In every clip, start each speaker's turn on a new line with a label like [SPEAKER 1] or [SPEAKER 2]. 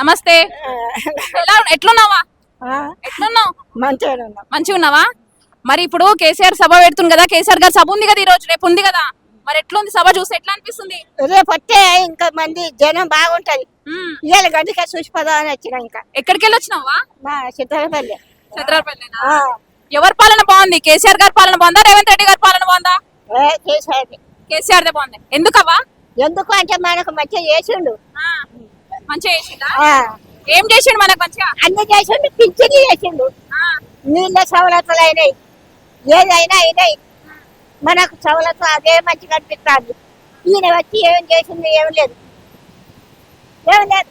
[SPEAKER 1] నమస్తే. ఎట్లున్నావా? ఎట్లున్నావు? మంచిగా ఉన్నావా? మరి ఇప్పుడు కేసీఆర్ సభ పెడుతుంది కదా, కేసీఆర్ గారు సభ ఉంది కదా ఈ రోజు, రేపు ఉంది కదా, మరి ఎట్లుంది సభ చూస్తే ఎట్లా అనిపిస్తుంది?
[SPEAKER 2] రేపు వస్తే ఇంకా మంది జనం బాగుంటది. ఇవాళ గడ్డిగా చూసిపోదా అని వచ్చినా. ఇంకా
[SPEAKER 1] ఎక్కడికి వెళ్ళి వచ్చినావా?
[SPEAKER 2] మా చిత్రపల్లి.
[SPEAKER 1] ఎవరి పాలన బాగుంది? కేసీఆర్ గారి పాలన బాగుందా, రేవంత్ రెడ్డి గారి పాలన బాగుందా? కేసీఆర్ బాగుంది. ఎందుకవ్వా?
[SPEAKER 2] ఎందుకు అంటే మనకు మంచిగా చేసిండు.
[SPEAKER 1] మంచిగా చేసిండా? ఏం చేసిండు మనకు మంచిగా?
[SPEAKER 2] అన్ని చేసిండు. పింఛని చేసిండు, నీళ్ళ సవలతులు అయినాయి, ఏదైనా అయినాయి మనకు సవలతు. అదే మంచిగా అనిపిస్తుంది. ఈయన వచ్చి ఏం చేసింది? ఏం లేదు, ఏం లేదు.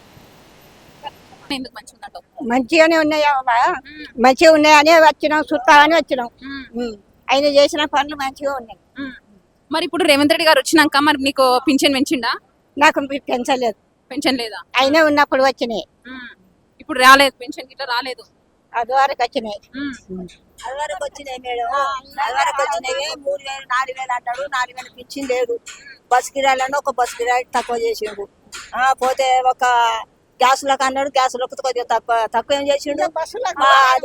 [SPEAKER 2] మంచిగానే ఉన్నాయమ్మా, మంచిగా ఉన్నాయని వచ్చినాం, చుట్టాలని వచ్చినాం. ఆయన చేసిన పనులు మంచిగా ఉన్నాయి.
[SPEAKER 1] మరి ఇప్పుడు రేవంత్ రెడ్డి గారు వచ్చినాక మరి నీకు పింఛన్ పెంచిండా?
[SPEAKER 2] నాకు పెంచలేదు.
[SPEAKER 1] పెన్షన్ లేదా?
[SPEAKER 2] అయినా ఉన్నప్పుడు వచ్చినాయి,
[SPEAKER 1] ఇప్పుడు రాలేదు. పెన్షన్ గిట్లా రాలేదు.
[SPEAKER 2] అది వరకు వచ్చినాయి.
[SPEAKER 3] అది వరకు వచ్చినాయి మేడం, అది వరకు వచ్చినాయి. 3000 4000 అంటాడు, 4000 పింఛన్ లేదు. బస్ కిరాయిలను ఒక బస్ కిరాయి తక్కువ చేసిండు. పోతే ఒక గ్యాసులకు అన్నాడు, గ్యాసులకు కొద్దిగా తక్కువ ఏం చేసిండు. అది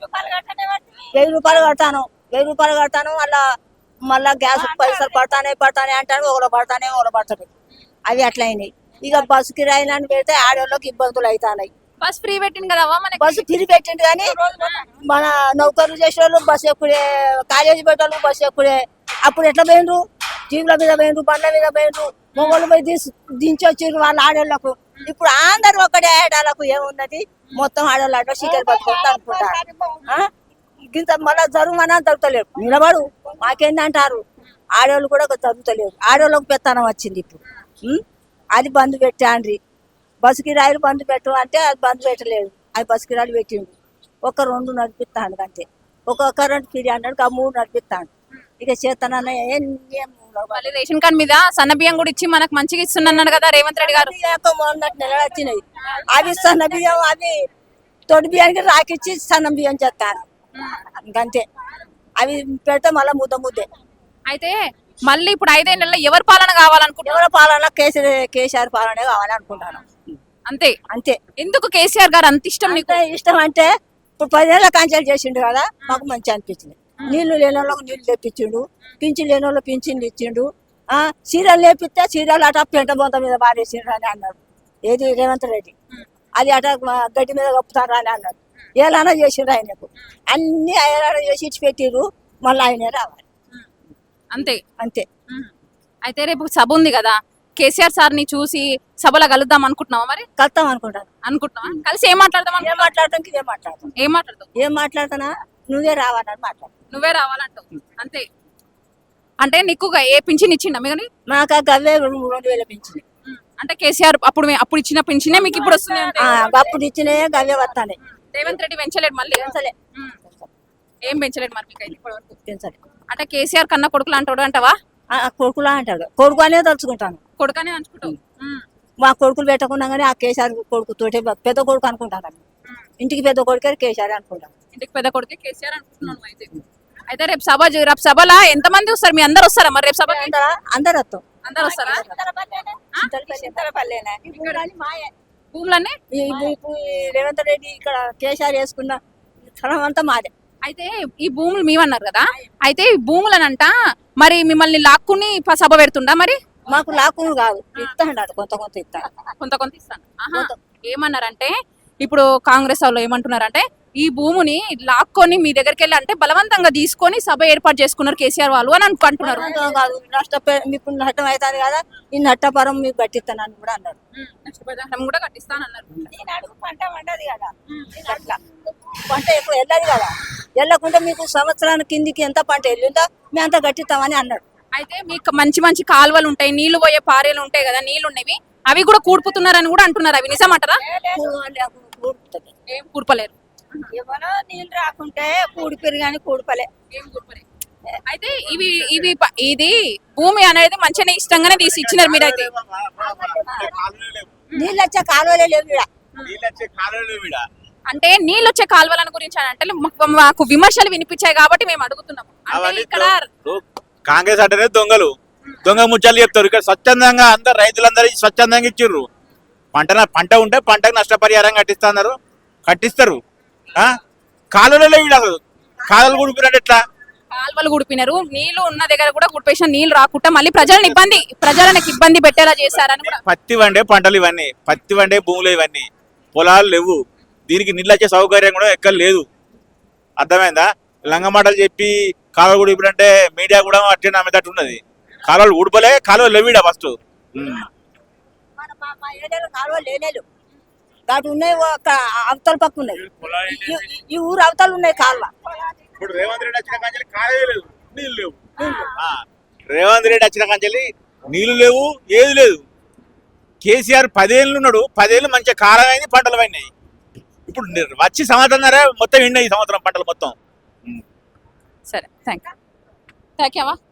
[SPEAKER 3] 1000 రూపాయలు కడతాను, 1000 రూపాయలు కడతాను. మళ్ళా గ్యాస్ పైసలు పడతానే అంటాడు. ఒకరు పడతాడు. అవి అట్లా అయినాయి. ఇక బస్సు కిరాయిలని పెడితే ఆడవాళ్ళకి ఇబ్బందులు అవుతాయి.
[SPEAKER 1] బస్ ఫ్రీ పెట్టిండు కదా,
[SPEAKER 3] బస్సు ఫ్రీ పెట్టిండు కానీ మన నౌకర్లు చేసేవాళ్ళు బస్సు ఎక్కుడే, కాలేజీ పెట్టాలి బస్సు ఎక్కుడే. అప్పుడు ఎట్లా పోయిండ్రు? జీవుల మీద పోయిండ్రు, బండ్ల మీద పోయిండ్రు, మొగోళ్ళు పోయి దించి వచ్చిండ్రు వాళ్ళ ఆడవాళ్ళకు. ఇప్పుడు అందరు ఒకటే ఆడవాళ్ళకు ఏమున్నది, మొత్తం ఆడవాళ్ళు ఆడ సీకలు పట్టుకుంటా అనుకుంటారు. ఇంత మళ్ళీ జరుగుమన్నా జరుగుతలేరు. నిలబడు మాకేంది అంటారు. ఆడవాళ్ళు కూడా జరుగుతలేరు. ఆడవాళ్ళకు పెత్తనం వచ్చింది ఇప్పుడు. అది బంద్ పెట్టాండ్రి. బస్సు కిరాయిలు బంద్ పెట్టు అంటే అది బంద్ పెట్టలేదు. అది బస్సు కిరాయిలు పెట్టిండు. 1-2 నడిపిస్తాడు అంతే. ఒక కరెంట్ ఫ్రీ అన్నాడు, 3 నడిపిస్తాడు. ఇక చేతనన్న
[SPEAKER 1] రేషన్ కార్డు మీద సన్న బియ్యం కూడా ఇచ్చి మనకు మంచిగా ఇస్తున్నాడు కదా రేవంత్ రెడ్డి గారు.
[SPEAKER 3] మొన్నటి నెల వచ్చినాయి. అవి సన్న బియ్యం, అవి తొడి బియ్యానికి రాకిచ్చి సన్న బియ్యం చేస్తాను. ఇంకంతే. అవి పెడితే మళ్ళీ ముద్దే.
[SPEAKER 1] అయితే మళ్ళీ ఇప్పుడు 5 నెలల్లో ఎవరి పాలన కావాలనుకుంటున్నారు?
[SPEAKER 3] ఎవరి పాలన? కేసీఆర్ పాలనే కావాలనుకుంటాను. అంతే.
[SPEAKER 1] ఎందుకు కేసీఆర్ గారు అంత ఇష్టం నీకు?
[SPEAKER 3] ఇష్టం అంటే ఇప్పుడు 10 ఏళ్ళ కాంచాలు చేసిండు కదా, మాకు మంచి అనిపించింది. నీళ్లు లేని వాళ్ళకి నీళ్లు తెప్పించిండు, పింఛన్ లేని వాళ్ళు పింఛన్లు ఇచ్చిండు. చీరలు లేపిస్తే చీరలు అట పెంట బొంత మీద బారేసిండ్రు అని అన్నాడు. ఏది రేవంత్ రెడ్డి. అది అట గడ్డి మీద కప్పుతారు అని అన్నాడు. ఏలానా చేసిండ్రు ఆయనకు. అన్ని ఆయన చేసి ఇచ్చి పెట్టిర్రు. మళ్ళీ ఆయనే రావాలి.
[SPEAKER 1] అంతే. అయితే రేపు సభ ఉంది కదా, కేసీఆర్ సార్ ని చూసి సభలో కలుద్దాం అనుకుంటున్నావా? మరి
[SPEAKER 3] కలుద్దాం అనుకుంటున్నావా?
[SPEAKER 1] కలిసి ఏం మాట్లాడతాం?
[SPEAKER 3] ఏం మాట్లాడతానా? నువ్వే రావాలని మాట్లాడు.
[SPEAKER 1] నువ్వే రావాలంటావు. అంతే. అంటే నీకు ఏ పింఛన్ ఇచ్చిండా మీకు?
[SPEAKER 3] మాకు గవ్వే 2000 పింఛన్.
[SPEAKER 1] అంటే కేసీఆర్ అప్పుడు ఇచ్చిన పింఛనే మీకు ఇప్పుడు వస్తుంది?
[SPEAKER 3] అప్పుడు ఇచ్చినాయే గవ్వే వస్తాయి.
[SPEAKER 1] రేవంత్ రెడ్డి పెంచలేడు మళ్ళీ? ఏం పెంచలేడు మరి మీకు? ఇప్పటివరకు పెంచలేదు. అంటే కేసీఆర్ కన్నా కొడుకులు అంటాడు అంటావా?
[SPEAKER 3] కొడుకులా అంటాడు. కొడుకు అనే తలుచుకుంటాను.
[SPEAKER 1] కొడుకనే అనుకుంటావు.
[SPEAKER 3] మా కొడుకులు పెట్టకుండా కానీ ఆ కేసీఆర్ కొడుకు తోటే పెద్ద కొడుకు అనుకుంటాను. ఇంటికి పెద్ద కొడుకే కేసీఆర్ అనుకుంటాను.
[SPEAKER 1] ఇంటికి పెద్ద కొడుకే కేసీఆర్ అనుకుంటున్నాను. అయితే రేపు సభలో ఎంతమంది వస్తారు? మీ అందరు వస్తారా మరి రేపు సభ?
[SPEAKER 3] అందరు వస్తాం.
[SPEAKER 1] అందరు వస్తారా? భూములన్నీ
[SPEAKER 3] రేవంత్ రెడ్డి ఇక్కడ కేసీఆర్ వేసుకున్న స్థలం అంతా మాదే.
[SPEAKER 1] అయితే ఈ భూములు మేమన్నారు కదా, అయితే ఈ భూములనంట మరి మిమ్మల్ని లాక్కుని సభ పెడుతుండా? మరి
[SPEAKER 3] మాకు లాక్కుని కాదు, ఇస్తాడు. కొంత
[SPEAKER 1] ఇస్తాను. ఏమన్నారంటే ఇప్పుడు కాంగ్రెస్ వాళ్ళు ఏమంటున్నారంటే ఈ భూమిని లాక్కొని మీ దగ్గరికి వెళ్ళి అంటే బలవంతంగా తీసుకొని సభ ఏర్పాటు చేసుకున్నారు కేసీఆర్ వాళ్ళు అని అంటున్నారు.
[SPEAKER 3] మీకు నష్టం అవుతుంది కదా, ఈ నష్టపరం మీకు కట్టిస్తానని కూడా అన్నారు.
[SPEAKER 1] నష్టపరిహారం కూడా కట్టిస్తానన్నారు.
[SPEAKER 3] పంట పండదు కదా, పంట ఎప్పుడు వెళ్ళదు కదా. వెళ్ళకుండా మీకు సంవత్సరానికి కిందికి ఎంత పంట వెళ్ళిందో మేము అంత కట్టిస్తామని అన్నాడు.
[SPEAKER 1] అయితే మీకు మంచి కాలువలు ఉంటాయి, నీళ్లు పోయే పారేలు ఉంటాయి కదా, నీళ్లు ఉన్నవి, అవి కూడా కూడుపుతున్నారని కూడా అంటున్నారు. అవి నిజమంటారా? ఏం కూర్పలేరు.
[SPEAKER 3] ఎవరో నీళ్ళు రాకుంటే కూడిపిరు కానీ కూడిపలే.
[SPEAKER 1] అయితే ఇది భూమి అనేది మంచిగా ఇష్టంగానే తీసి ఇచ్చినారు మీరైతే.
[SPEAKER 3] నీళ్ళు వచ్చే కాలువలే లేవు.
[SPEAKER 1] అంటే నీళ్ళు వచ్చే కాలువల గురించి అని అంటే మాకు విమర్శలు వినిపించాయి కాబట్టి మేము అడుగుతున్నాము. ఇక్కడ
[SPEAKER 4] కాంగ్రెస్ అంటేనే దొంగ ముచ్చాలు చెప్తారు. ఇక్కడ స్వచ్ఛందంగా అందరు రైతులందరూ స్వచ్ఛందంగా ఇచ్చిర్రు. పంట ఉంటే పంటకు నష్టపరిహారం కట్టిస్తారు ఆ? కాలువలలో వీడు అసలు కాలువలు కూడిపోయినట్టు ఎట్లా?
[SPEAKER 1] కాల్వలు గుడిపినారు, నీళ్లు ఉన్న దగ్గర కూడా గుడిపేసిన నీళ్లు రాకుండా మళ్ళీ ప్రజలకు ఇబ్బంది పెట్టేలా చేశారని కూడా.
[SPEAKER 4] పత్తి వండే పంటలు ఇవన్నీ, పత్తి వండే భూములు ఇవన్నీ, పొలాలు లేవు, దీనికి నీళ్ళు వచ్చే సౌకర్యం కూడా ఎక్కడ లేదు. అర్థమైందా? లంగమాటలు చెప్పి కాలువలు కూడిపోయినంటే మీడియా కూడా అట్టే నమ్మేటట్టు ఉన్నది. కాలువలు ఊడిపోలే, కాలువలు లేవిడా ఫస్ట్.
[SPEAKER 3] మా ఏరియాలో కాలువ లేనేలు దాటి ఉన్నాయి, అవతల పక్క ఉన్నాయి, ఈ ఊరు అవతలు ఉన్నాయి కాలువ.
[SPEAKER 4] ఇప్పుడు రేవంత్ రెడ్డి వచ్చిన కాంచెల్లి కాలువే లేదు, నీళ్ళు లేవు. రేవంత్ రెడ్డి వచ్చిన కాంచెల్లి నీళ్లు లేవు, ఏది లేదు. కేసీఆర్ 10 ఏళ్ళు ఉన్నాడు, 10 ఏళ్ళు మంచిగా కాలం అయింది, పంటలు పడినాయి. ఇప్పుడు వచ్చి సంవత్సరం మొత్తం ఎండినాయి, ఈ సంవత్సరం పంటలు మొత్తం.
[SPEAKER 1] సరే, థ్యాంక్ యూ.